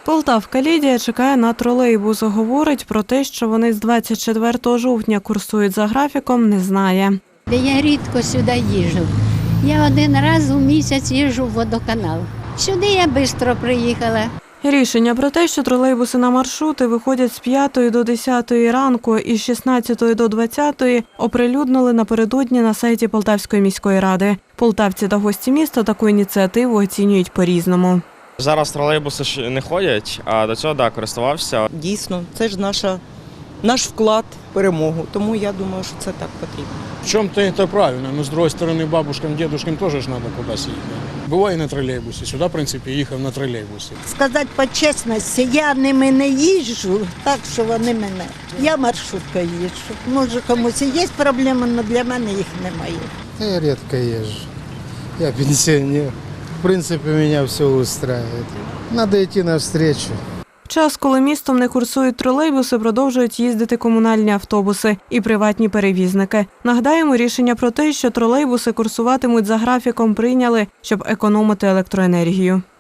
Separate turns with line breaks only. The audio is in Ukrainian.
Полтавка Лідія чекає на тролейбус. Говорить про те, що вони з 24 жовтня курсують за графіком, не знає.
Я рідко сюди їжджу. Я один раз у місяць їжджу в водоканал. Сюди я швидко приїхала.
Рішення про те, що тролейбуси на маршрути виходять з 5 до 10 ранку і з 16 до 20 оприлюднили напередодні на сайті Полтавської міської ради. Полтавці та гості міста таку ініціативу оцінюють по-різному.
Зараз тролейбуси ж не ходять, а до цього, користувався.
Дійсно, це ж наш вклад в перемогу, тому я думаю, що це так потрібно.
В чем-то это правильно, но с другой стороны бабушкам, дедушкам тоже ж надо куда-то їхати. Буває на тролейбусі, сюди, в принципі, їхав на тролейбусі.
Сказати по чесності, я ними не їжджу, так що вони мене. Я маршруткою їжджу. Може комусь і є проблеми, але для мене їх немає.
Я редко езжу. Я пенсионер. В принципе, меня все устраивает. Надо идти навстречу.
В час, коли містом не курсують тролейбуси, продовжують їздити комунальні автобуси і приватні перевізники. Нагадаємо, рішення про те, що тролейбуси курсуватимуть за графіком, прийняли, щоб економити електроенергію.